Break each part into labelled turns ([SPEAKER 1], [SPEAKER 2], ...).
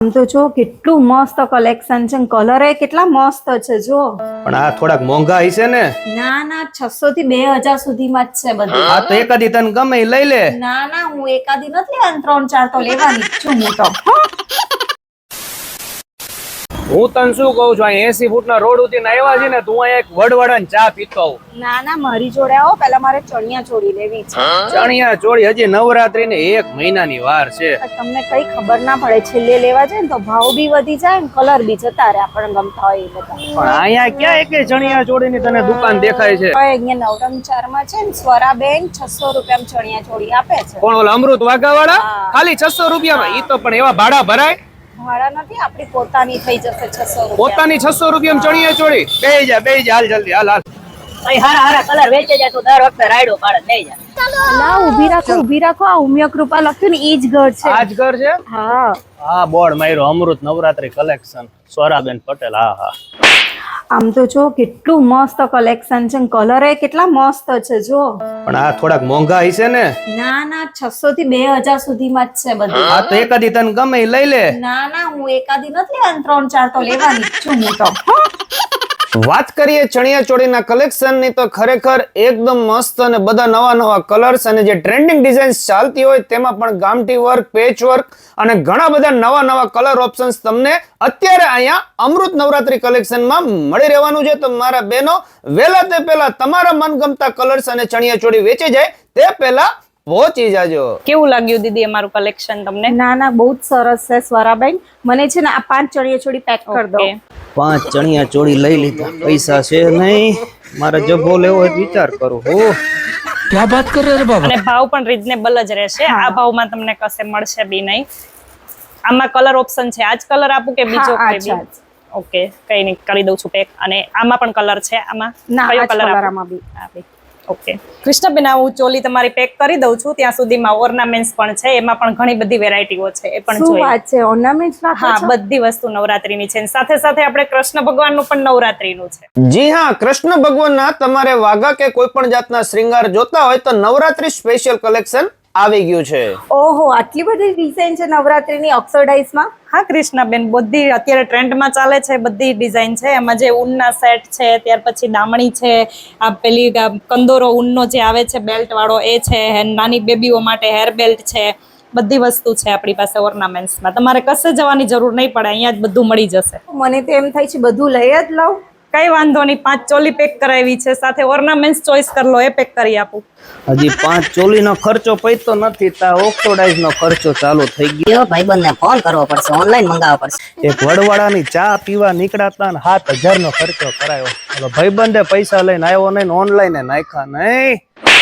[SPEAKER 1] આમ તો જો કેટલું મસ્ત કલેક્શન છે, કલર એ કેટલા મસ્ત છે જો.
[SPEAKER 2] પણ આ થોડાક મોંઘા હશે ને?
[SPEAKER 1] ના ના 600 થી 2000 સુધીમાં જ છે બધું.
[SPEAKER 2] આ તો એકાદી તને ગમે ઈ લઈ લે.
[SPEAKER 1] ના ના હું એકાદી નથી લેવાની, 3-4 તો લેવાની જ છું હું તો.
[SPEAKER 2] હું તને શું કહું છું, આ 80 ફૂટના રોડ ઉતી આવ્યા છે ને, તું અહીંયા એક વડવડાને ચા પીતો આવ.
[SPEAKER 1] ના ના મારી જોડે આવો, પહેલા મારે ચણિયા ચોળી લેવી છે.
[SPEAKER 2] ચણિયા ચોળી હજી નવરાત્રી ને 1 મહિનાની વાર છે.
[SPEAKER 1] તમને કઈ ખબર ના પડે, છેલ્લે લેવા જાય ને તો ભાવ બી વધી જાય ને કલર બી જતા રહે આપણને ગમતા હોય એ બધા.
[SPEAKER 2] પણ અહીંયા ક્યાં એકે ચણિયા ચોળીની તને દુકાન દેખાય છે?
[SPEAKER 1] અહીંયા નવરંગ 4 માં છે ને, સ્વરાબેન 600 રૂપિયામાં ચણિયા ચોળી આપે છે.
[SPEAKER 2] કોણ ઓલા અમૃત વાઘાવાળા? ખાલી 600 રૂપિયામાં? ઈ તો પણ એવા ભાડા ભરાય?
[SPEAKER 1] ભાડા નથી, આપણી પોતાની થઈ જશે 600 રૂપિયા.
[SPEAKER 2] પોતાની 600 રૂપિયામાં ચણિયા ચોળી? બેહી જા હાલ જલ્દી હાલ.
[SPEAKER 3] હારા કલર વેચે જાય તો દર વખતે રાયડો પાડે લઈ જા.
[SPEAKER 1] ના ઊભી રાખો આ ઉમિયા કૃપા લખ્યું ને ઈ જ ઘર છે.
[SPEAKER 2] આ જ ઘર છે?
[SPEAKER 1] હા
[SPEAKER 2] હા બોર્ડ માર્યો, અમૃત નવરાત્રી કલેક્શન, સ્વરાબેન પટેલ. હા
[SPEAKER 1] આમ તો જો કેટલું મસ્ત કલેક્શન છે, કલર એ કેટલા મસ્ત છે જો.
[SPEAKER 2] પણ આ થોડાક મોંઘા હશે ને?
[SPEAKER 1] ના ના 600 થી 2000 સુધીમાં જ છે બધું.
[SPEAKER 2] આ તો એકાદી તને ગમે ઈ લઈ લે.
[SPEAKER 1] ના ના હું એકાદી નથી લેવાની, 3-4 તો લેવાની જ છું હું તો.
[SPEAKER 2] વાત કરીએ ચણિયા ચોળીના કલેક્શન ની તો ખરેખર એકદમ મસ્ત અને બધા નવા કલર્સ અને જે ટ્રેન્ડિંગ ડિઝાઇન્સ ચાલતી હોય તેમાં પણ ગામઠી વર્ક, પેચ વર્ક અને ઘણા બધા નવા કલર ઓપ્શન્સ તમને અત્યારે અહીંયા અમૃત નવરાત્રી કલેક્શનમાં મળી રહેવાનું છે. તો મારા બહેનો વહેલા તે પહેલા તમારા મનગમતા કલર્સ અને ચણિયા ચોળી વેચી જાય તે પહેલા પહોંચી જાજો.
[SPEAKER 3] કેવું લાગ્યું દીદી અમારું કલેક્શન તમને?
[SPEAKER 1] ના ના બહુ જ સરસ છે સ્વરાબેન. મને છે ને આ 5 ચણિયા ચોળી પેક કરી દો.
[SPEAKER 2] 5 ચણિયા ચોળી લઈ લીધા, પૈસા છે નહીં, મારે જબ્બો લેવો હોય વિચાર કરું. હો
[SPEAKER 4] क्या बात कर रहे हैं बाबा?
[SPEAKER 3] અને ભાવ પણ રીઝનેબલ જ રહેશે. આ ભાવમાં તમને કશે મળશે બી નહીં. આમાં કલર ઓપ્શન છે, આજ કલર આપું કે બીજો કોઈ બી? ઓકે કઈ નહીં, કરી દઉં છું પેક. અને આમાં પણ કલર છે, આમાં કયો કલર
[SPEAKER 1] આમાં બી
[SPEAKER 3] આપે? ઓકે કૃષ્ણબેન, હું ચોલી તમારી પેક કરી દઉં છું. ત્યાં સુધીમાં ઓર્નામેન્ટ્સ પણ છે, એમાં પણ ઘણી બધી વેરાયટીઓ છે, એ પણ
[SPEAKER 1] શું
[SPEAKER 3] જોઈએ.
[SPEAKER 1] વાત છે, ઓર્નામેન્ટ્સ
[SPEAKER 3] હા બધી વસ્તુ નવરાત્રીની છે. સાથે સાથે આપણે કૃષ્ણ ભગવાનનું પણ નવરાત્રીનું છે.
[SPEAKER 2] જી હા, કૃષ્ણ ભગવાનના તમારે વાઘા કે કોઈ પણ જાતના શ્રૃંગાર જોતા હોય તો નવરાત્રી સ્પેશિયલ કલેક્શન આવી ગયું છે.
[SPEAKER 1] ઓહો આટલી બધી ડિઝાઇન છે નવરાત્રીની ઓક્સોડાઇઝમાં.
[SPEAKER 3] હા કૃષ્ણાબેન, બધી અત્યારે ટ્રેન્ડમાં ચાલે છે, બધી ડિઝાઇન છે. એમાં જે ઊનના સેટ છે, ત્યાર પછી દામણી છે, આ પેલી કંદોરો ઊનનો જે આવે છે બેલ્ટ વાળો એ છે, નાની બેબીઓ માટે હેર બેલ્ટ છે, બધી વસ્તુ છે આપણી પાસે ઓર્નામેન્ટ્સમાં. તમારે કશે જવાની જરૂર નહીં પડે, અહીંયા જ બધું મળી જશે.
[SPEAKER 1] મને તો એમ થાય છે બધું લઈ જ લઉં.
[SPEAKER 3] કઈ વાંધો નહીં, 5 ચોલી પેક કરાવી છે, સાથે ઓર્નામેન્ટ્સ ચોઈસ કરી લો, એ પેક કરી આપું.
[SPEAKER 2] હજી 5 ચોલીનો ખર્ચો પૈતો નથી, તા ઓક્સોડાઇઝનો ખર્ચો ચાલુ થઈ ગયો.
[SPEAKER 5] ભાઈબંધને ફોન કરવો પડશે, ઓનલાઈન મંગાવવા પડશે.
[SPEAKER 2] એક વડવાડાની ચા પીવા નીકળાતા 7000 નો ખર્ચો કરાયો. હવે ભાઈબંધે પૈસા લઈને આવ્યો નહીં, ઓનલાઈન નાખ્યા નહીં.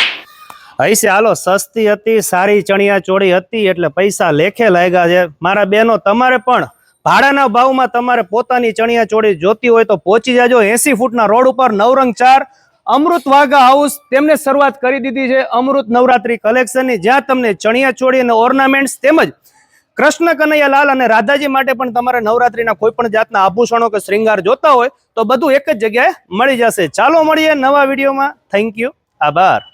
[SPEAKER 2] હૈસે હાલો, સસ્તી હતી, સારી ચણિયા ચોળી હતી એટલે પૈસા લેખે લાગ્યા છે. મારા બહેનો તમારે પણ ભાડાના ભાવમાં તમારે પોતાની ચણિયા ચોળી જોતી હોય તો પહોંચી જાજો. 80 ફૂટના રોડ ઉપર નવરંગ 4 અમૃત વાઘા હાઉસ તેમને શરૂઆત કરી દીધી છે અમૃત નવરાત્રી કલેક્શનની, જ્યાં તમને ચણિયા ચોળી અને ઓર્નામેન્ટ્સ તેમજ કૃષ્ણ કનૈયાલાલ અને રાધાજી માટે પણ તમારે નવરાત્રીના કોઈ પણ જાતના આભૂષણો કે શ્રૃંગાર જોતા હોય તો બધું એક જ જગ્યાએ મળી જશે. ચાલો મળીએ નવા વિડીયોમાં. થેન્ક યુ, આભાર.